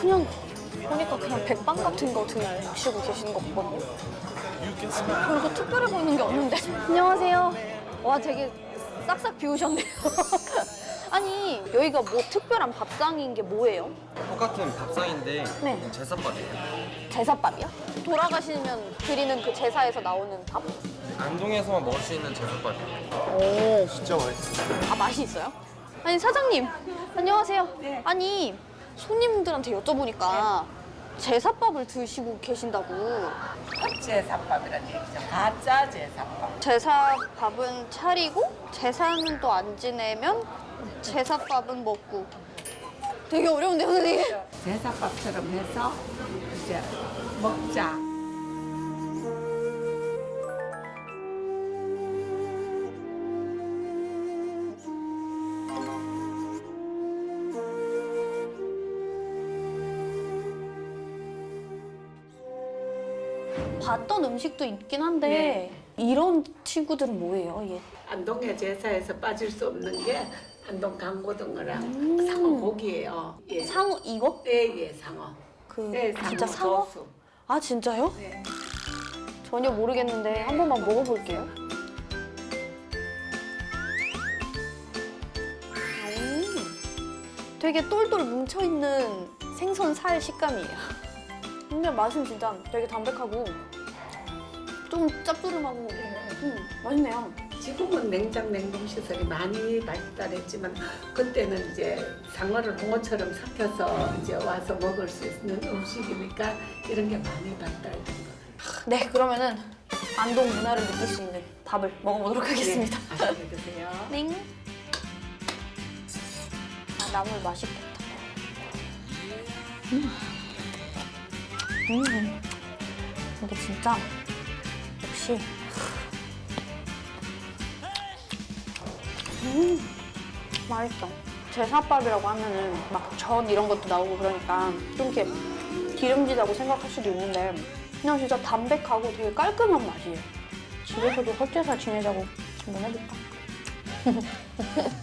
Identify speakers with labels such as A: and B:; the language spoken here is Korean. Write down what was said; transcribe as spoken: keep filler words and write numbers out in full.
A: 그냥 보니까 그냥 백반 같은 거 드시고 계시는 거 같거든요. 별거 특별해 보이는 게 없는데. 안녕하세요. 와, 되게 싹싹 비우셨네요. 아니, 여기가 뭐 특별한 밥상인 게 뭐예요?
B: 똑같은 밥상인데
A: 네.
B: 제사밥이에요.
A: 제사밥이요? 돌아가시면 드리는 그 제사에서 나오는 밥?
B: 안동에서만 먹을 수 있는 제사밥이에요.
A: 오.
B: 진짜 맛있어요.
A: 아, 맛이 있어요? 아니, 사장님. 안녕하세요. 네. 아니, 손님들한테 여쭤보니까 제사밥을 드시고 계신다고.
C: 제사밥이라는 얘기죠. 가짜 제사밥.
A: 제사밥은 차리고 제사는 또 안 지내면 제사밥은 먹고. 되게 어려운데요, 선생님?
C: 제사밥처럼 해서 이제 먹자.
A: 봤던 음식도 있긴 한데 이런 친구들은 뭐예요? 얘?
C: 안동의 제사에서 빠질 수 없는 게 안동 강고등어랑 상어 고기예요. 예.
A: 상어 이거?
C: 예, 예, 상어.
A: 그
C: 네,
A: 진짜 상어?
C: 소수.
A: 아, 진짜요?
C: 네.
A: 전혀 모르겠는데 한 번만 먹어볼게요. 음, 되게 똘똘 뭉쳐있는 생선 살 식감이에요. 근데 맛은 진짜 되게 담백하고 좀 짭조름하고 음, 맛있네요.
C: 지금은 냉장 냉동 시설이 많이 발달했지만 그때는 이제 상어를 홍어처럼 삭혀서 이제 와서 먹을 수 있는 음식이니까 이런 게 많이 발달된 거예요.
A: 네, 그러면은 안동 문화를 느낄 수 있는 밥을 먹어보도록 하겠습니다.
C: 네, 맛있게 드세요.
A: 네. 아, 나물 맛있겠다. 음. 음. 이게 진짜 역시 음, 맛있어. 제사밥이라고 하면은 막 전 이런 것도 나오고 그러니까 좀 이렇게 기름지다고 생각할 수도 있는데 그냥 진짜 담백하고 되게 깔끔한 맛이에요. 집에서도 헛제사 지내자고 한번 해볼까?